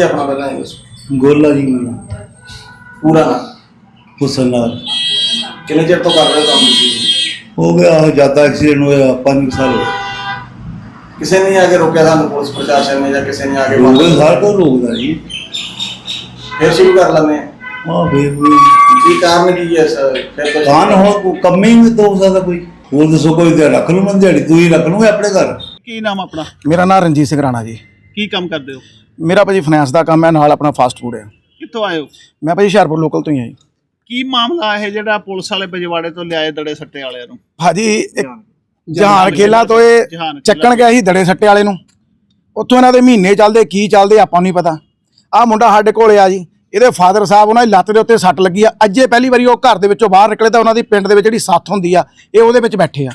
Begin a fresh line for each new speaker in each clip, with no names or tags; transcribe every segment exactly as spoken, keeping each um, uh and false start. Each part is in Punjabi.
अपना पहला ही दसो।
गोला जी
पूरा ना
हुसन लाल
कितने चिर तो कर रहे हो काम तुसीं?
हो गया ज्यादा एक्सीडेंट होया पाँच साल हो
किसी ने आके रोका था पुलिस प्रशासन ने, या किसी ने आके
गए सार को रोकदा जी
फिर शुरू कर लेने
हाँ फिर भी
की कारण की है सर? फिर तो
कान हो कम ही में तो हो सकता कोई ਹੋਰ ਦੱਸੋ ਕੋਈ ਤੇ ਰੱਖ ਲੂ ਮੈਂ ਦਿਹਾੜੀ ਤੂੰ ਹੀ ਰੱਖ ਲੂਗੇ ਆਪਣੇ ਘਰ।
ਕੀ ਨਾਮ ਆਪਣਾ?
ਮੇਰਾ ਨਾਮ ਰਣਜੀਤ ਸਿੰਘ ਰਾਣਾ ਜੀ।
ਕੀ ਕੰਮ ਕਰਦੇ ਹੋ?
ਮੇਰਾ ਭਾਜੀ ਫਾਈਨੈਂਸ ਦਾ ਕੰਮ ਹੈ, ਨਾਲ ਆਪਣਾ ਫਾਸਟ ਫੂਡ ਹੈ।
ਕਿੱਥੋਂ ਆਏ ਹੋ?
ਮੈਂ ਭਾਜੀ ਹੁਸ਼ਿਆਰਪੁਰ ਲੋਕਲ ਤੋਂ ਹੀ ਹਾਂ ਜੀ।
ਕੀ ਮਾਮਲਾ ਇਹ ਜਿਹੜਾ ਪੁਲਿਸ ਵਾਲੇ ਪਜਵਾੜੇ ਤੋਂ ਲਿਆਏ ਦੜੇ ਸੱਟੇ ਵਾਲਿਆਂ ਨੂੰ?
ਭਾਜੀ ਇੱਕ ਜਹਾਨ ਖੇਲਾ ਤੋਂ ਇਹ ਚੱਕਣ ਗਿਆ ਸੀ ਦੜੇ ਸੱਟੇ ਵਾਲੇ ਨੂੰ। ਉੱਥੋਂ ਇਹਨਾਂ ਦੇ ਮਹੀਨੇ ਚੱਲਦੇ ਕੀ ਚੱਲਦੇ ਆਪਾਂ ਨੂੰ ਨਹੀਂ ਪਤਾ। ਆਹ ਮੁੰਡਾ ਸਾਡੇ ਕੋਲ ਆ ਜੀ, ਇਹਦੇ ਫਾਦਰ ਸਾਹਿਬ ਉਹਨਾਂ ਦੀ ਲੱਤ ਦੇ ਉੱਤੇ ਸੱਟ ਲੱਗੀ ਆ। ਅੱਜੇ ਪਹਿਲੀ ਵਾਰੀ ਉਹ ਘਰ ਦੇ ਵਿੱਚੋਂ ਬਾਹਰ ਨਿਕਲੇ ਤਾਂ ਉਹਨਾਂ ਦੀ ਪਿੰਡ ਦੇ ਵਿੱਚ ਜਿਹੜੀ ਸੱਥ ਹੁੰਦੀ ਆ ਇਹ ਉਹਦੇ ਵਿੱਚ ਬੈਠੇ ਆ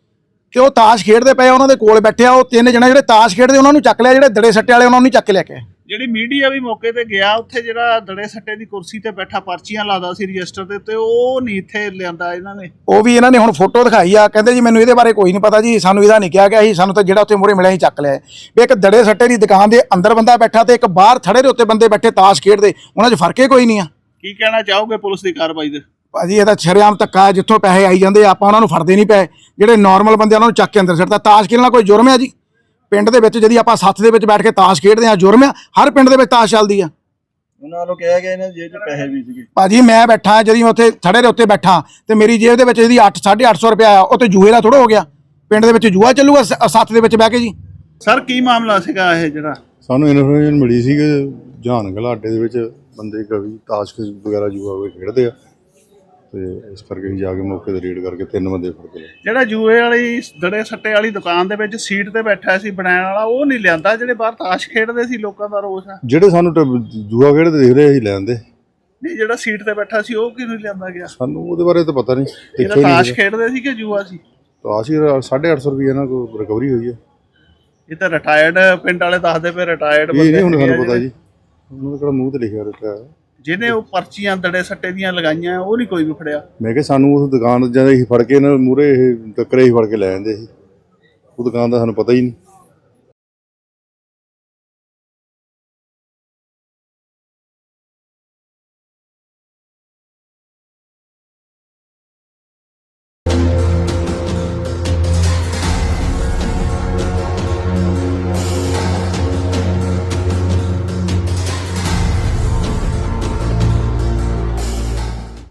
ਤੇ ਉਹ ਤਾਸ਼ ਖੇਡਦੇ ਪਏ, ਉਹਨਾਂ ਦੇ ਕੋਲ ਬੈਠੇ ਆ। ਉਹ ਤਿੰਨ ਜਣੇ ਜਿਹੜੇ ਤਾਸ਼ ਖੇਡਦੇ ਉਹਨਾਂ ਨੂੰ ਚੱਕ ਲਿਆ, ਜਿਹੜੇ ਦੜੇ ਸੱਟੇ ਵਾਲੇ ਉਹਨਾਂ ਨੂੰ ਨਹੀਂ ਚੱਕ ਕੇ ਲੈ ਕੇ।
ਜਿਹੜੀ ਮੀਡੀਆ ਵੀ ਮੌਕੇ ਤੇ ਗਿਆ, ਉੱਥੇ ਜਿਹੜਾ ਦੜੇ ਸੱਟੇ ਦੀ ਕੁਰਸੀ ਤੇ ਬੈਠਾ ਪਰਚੀਆਂ ਲਾਦਾ ਸੀ ਰਜਿਸਟਰ ਦੇ ਉੱਤੇ, ਉਹ ਨਹੀਂ ਇੱਥੇ ਲਿਆਂਦਾ ਇਹਨਾਂ ਨੇ।
ਉਹ ਵੀ ਇਹਨਾਂ ਨੇ ਹੁਣ ਫੋਟੋ ਦਿਖਾਈ ਆ, ਕਹਿੰਦੇ ਜੀ ਮੈਨੂੰ ਇਹਦੇ ਬਾਰੇ ਕੋਈ ਨਹੀਂ ਪਤਾ ਜੀ, ਸਾਨੂੰ ਇਹਦਾ ਨਹੀਂ ਕਿਹਾ ਗਿਆ ਸੀ, ਸਾਨੂੰ ਤਾਂ ਜਿਹੜਾ ਉੱਥੇ ਮੂਹਰੇ ਮਿਲਿਆ ਸੀ ਚੱਕ ਲਿਆ। ਵੀ ਇੱਕ ਦੜੇ ਸੱਟੇ ਦੀ ਦੁਕਾਨ ਦੇ ਅੰਦਰ ਬੰਦਾ ਬੈਠਾ ਤੇ ਇੱਕ ਬਾਹਰ ਥੜੇ ਦੇ ਉੱਤੇ ਬੰਦੇ ਬੈਠੇ ਤਾਸ਼ ਖੇਡਦੇ, ਉਹਨਾਂ 'ਚ ਫਰਕ ਹੀ ਕੋਈ ਨਹੀਂ ਆ।
ਕੀ ਕਹਿਣਾ ਚਾਹੋਗੇ ਪੁਲਿਸ ਦੀ ਕਾਰਵਾਈ ਦੇ?
ਭਾਜੀ ਇਹਦਾ ਸ਼ਰੇਆਮ ਧੱਕਾ ਹੈ, ਜਿੱਥੋਂ ਪੈਸੇ ਆਈ ਜਾਂਦੇ ਆਪਾਂ ਉਹਨਾਂ ਨੂੰ ਫੜਦੇ ਨਹੀਂ ਪਏ। ਜਿਹੜੇ ਨਾਰਮਲ ਬੰਦੇ ਉਹਨਾਂ ਨੂੰ ਚੱਕ ਕੇ ਅੰਦਰ ਸਿੱਟਦਾ। ਤਾਸ਼ ਖੇਡਣਾ ਕੋਈ ਜੁਰਮ ਹੈ ਜੀ? ਪਿੰਡ ਦੇ ਵਿੱਚ ਜਦੀ ਆਪਾਂ ਸੱਥ ਦੇ ਵਿੱਚ ਬੈਠ ਕੇ ਤਾਸ਼ ਖੇਡਦੇ ਆ, ਜੁਰਮ ਆ? ਹਰ ਪਿੰਡ ਦੇ ਵਿੱਚ ਤਾਸ਼ ਚੱਲਦੀ ਆ।
ਉਹਨਾਂ ਵੱਲੋਂ ਕਿਹਾ ਗਿਆ ਇਹਨਾਂ ਜੇਬ 'ਚ ਪੈਸੇ ਵੀ ਸੀਗੇ।
ਭਾਜੀ ਮੈਂ ਬੈਠਾ ਜਦੀ ਉੱਥੇ ਥੜੇ ਦੇ ਉੱਤੇ ਬੈਠਾ ਤੇ ਮੇਰੀ ਜੇਬ ਦੇ ਵਿੱਚ ਜਿਹਦੀ ਅੱਠ ਸਾਢੇ ਅੱਠ ਸੌ ਰੁਪਇਆ ਆ, ਉਹ ਤੇ ਜੂਏ ਦਾ ਥੋੜਾ ਹੋ ਗਿਆ। ਪਿੰਡ ਦੇ ਵਿੱਚ ਜੂਆ ਚੱਲੂਗਾ ਸੱਥ ਦੇ ਵਿੱਚ ਬਹਿ ਕੇ ਜੀ?
ਸਰ ਕੀ ਮਾਮਲਾ ਸੀਗਾ ਇਹ ਜਿਹੜਾ?
ਸਾਨੂੰ ਇਨਫੋਰਮੇਸ਼ਨ ਮਿਲੀ ਸੀ ਕਿ ਜਹਾਨ ਗਲਾ ਅੱਡੇ ਦੇ ਵਿੱਚ ਬੰਦੇ ਕਵੀ ਤਾਸ਼ ਵਗੈਰਾ ਜੂਆ ਵਗੈਰਾ ਖੇਡਦੇ ਆ ਤੇ ਇਸ ਕਰਕੇ ਅਸੀਂ ਜਾ ਕੇ ਮੌਕੇ ਤੇ ਰੇਡ ਕਰਕੇ ਤਿੰਨ ਬੰਦੇ ਫੜ ਕੇ ਲਏ।
ਜਿਹੜਾ ਜੂਏ ਵਾਲੀ ਦੜੇ ਸੱਟੇ ਵਾਲੀ ਦੁਕਾਨ ਦੇ ਵਿੱਚ ਸੀਟ ਤੇ ਬੈਠਾ ਸੀ ਬਣਾਉਣ ਵਾਲਾ, ਉਹ ਨਹੀਂ ਲਿਆਂਦਾ? ਜਿਹੜੇ ਬਾਹਰ ਤਾਸ਼ ਖੇਡਦੇ ਸੀ, ਲੋਕਾਂ ਦਾ ਰੋਸ ਆ।
ਜਿਹੜੇ ਸਾਨੂੰ ਜੂਆ ਖੇਡਦੇ ਦੇਖ ਰਹੇ ਅਸੀਂ ਲੈਂਦੇ
ਨਹੀਂ, ਜਿਹੜਾ ਸੀਟ ਤੇ ਬੈਠਾ ਸੀ ਉਹ ਕਿਉਂ ਨਹੀਂ ਲਿਆਂਦਾ ਗਿਆ?
ਸਾਨੂੰ ਉਹਦੇ ਬਾਰੇ ਤਾਂ ਪਤਾ ਨਹੀਂ।
ਜਿਹੜਾ ਤਾਸ਼ ਖੇਡਦੇ ਸੀ ਕਿ ਜੂਆ ਸੀ?
ਤਾਸ਼ ਹੀ ਸਾਢੇ ਅੱਠ ਸੌ ਰੁਪਏ ਇਹਨਾਂ ਕੋਲ ਰਿਕਵਰੀ ਹੋਈ ਹੈ।
ਇਹ ਤਾਂ ਰਿਟਾਇਰਡ ਪਿੰਡ ਵਾਲੇ ਦੱਸਦੇ ਪਏ, ਰਿਟਾਇਰਡ
ਇਹ ਨਹੀਂ ਹੁਣ ਸਾਨੂੰ ਪਤਾ ਜੀ, ਉਹਨਾਂ ਦਾ ਕਿਹੜਾ ਮੂੰਹ ਤੇ ਲਿਖਿਆ ਰੱਖਿਆ।
ਜਿਹਨੇ ਉਹ ਪਰਚੀਆਂ ਦੜੇ ਸੱਟੇ ਦੀਆਂ ਲਗਾਈਆਂ ਉਹ ਨਹੀਂ ਕੋਈ ਵੀ ਫੜਿਆ।
ਮੈਂ ਕਿਹਾ ਸਾਨੂੰ ਉਸ ਦੁਕਾਨ ਜਦੋਂ ਅਸੀਂ ਫੜ ਕੇ ਇਹਨਾਂ ਮੂਹਰੇ ਇਹ ਟੱਕਰੇ ਹੀ ਫੜ ਕੇ ਲੈ ਜਾਂਦੇ ਸੀ, ਉਹ ਦੁਕਾਨ ਦਾ ਸਾਨੂੰ ਪਤਾ ਹੀ ਨਹੀਂ।